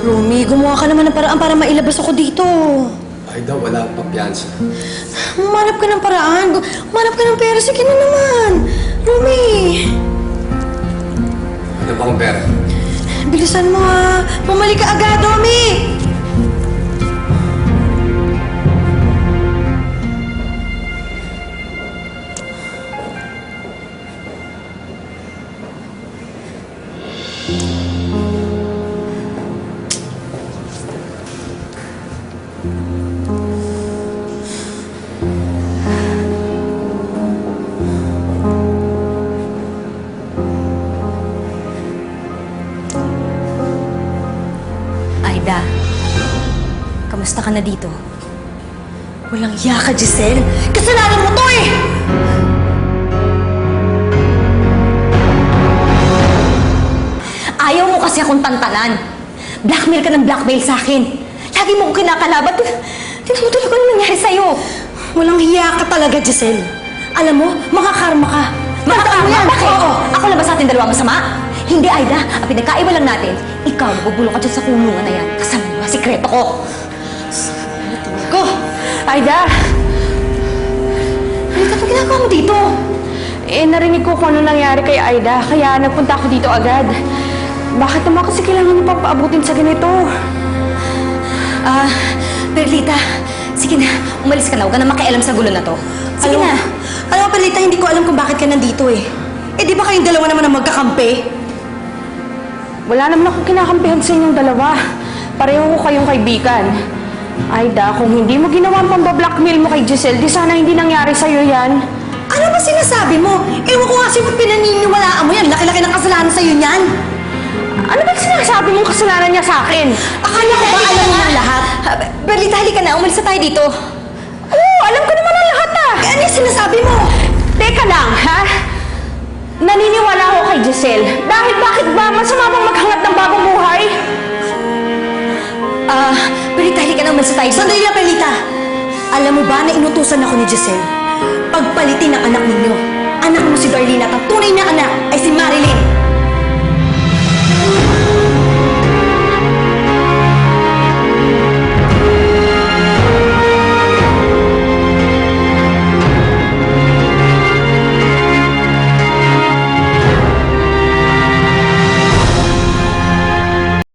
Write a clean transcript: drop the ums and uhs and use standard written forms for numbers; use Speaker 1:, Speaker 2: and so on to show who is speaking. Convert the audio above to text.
Speaker 1: Rumi, gumawa ka naman ng paraan para mailabas ako dito.
Speaker 2: Aida, wala pa piyansa.
Speaker 1: Humanap ka ng paraan. Humanap ka ng pera. Sige na naman. Rumi.
Speaker 2: Ano bang pera?
Speaker 1: Bilisan mo ha. Bumalik ka agad, Rumi.
Speaker 3: Aida, kamusta ka na dito?
Speaker 1: Walang iya ka, Giselle. Kasalanan mo to eh!
Speaker 3: Ayaw mo kasi akong tantanan. Blackmail ka ng blackmail sa akin. Lagi mo akong kinakalabat. Tingnan mo tuloy kung ano nangyari sa'yo.
Speaker 1: Walang hiya ka talaga, Giselle. Alam mo, makakarma ka.
Speaker 3: Makakarma?
Speaker 1: yan.
Speaker 3: Bakit?
Speaker 1: Oo.
Speaker 3: Ako lang ba sa ating dalawa masama? Hindi, Aida. Ang pinagkaiba lang natin, ikaw nabubulong ka dyan sa kulungan na yan. Kasama mo ang sikreto ko.
Speaker 1: Go!
Speaker 3: Aida! Ano ka ginagawa mo dito?
Speaker 4: Narinig ko kung ano nangyari kay Aida, kaya nagpunta ako dito agad. Bakit naman kasi kailangan niyo papaabutin sa ganito?
Speaker 3: Perlita, sige na. Umalis ka na. Huwag ka na makialam sa gulo na to. Sige na.
Speaker 1: Alam mo, Perlita, hindi ko alam kung bakit ka nandito eh. Eh, di ba kayong dalawa naman ang magkakampi?
Speaker 4: Wala naman ako kinakampihan sa inyong dalawa. Pareho ko kayong kaibigan. Aida, kung hindi mo ginawa ang pambablackmail mo kay Giselle, di sana hindi nangyari sa'yo yan.
Speaker 1: Ano ba sinasabi mo? Ewan ko kasi kung pinaniniwalaan mo yan. Laki-laki ng kasalanan sa'yo niyan.
Speaker 4: Ano ba sinasabi mong kasalanan niya sa akin?
Speaker 1: Akala ko ba alam mo ng lahat?
Speaker 3: Perlita, halika na. Umalis na tayo dito.
Speaker 4: Oo, alam ko naman ang lahat ah!
Speaker 1: Eh, ano yung sinasabi mo?
Speaker 4: Teka lang, ha? Naniniwala ako kay Giselle. Dahil bakit ba masama bang maghangat ng bagong buhay?
Speaker 3: Perlita, halika na. Umalis na tayo dito.
Speaker 1: Sandali lang, Perlita. Alam mo ba na inutusan ako ni Giselle? Pagpalitin ang anak ninyo. Anak mo si Darlene at ang tunay na anak ay si Marilyn.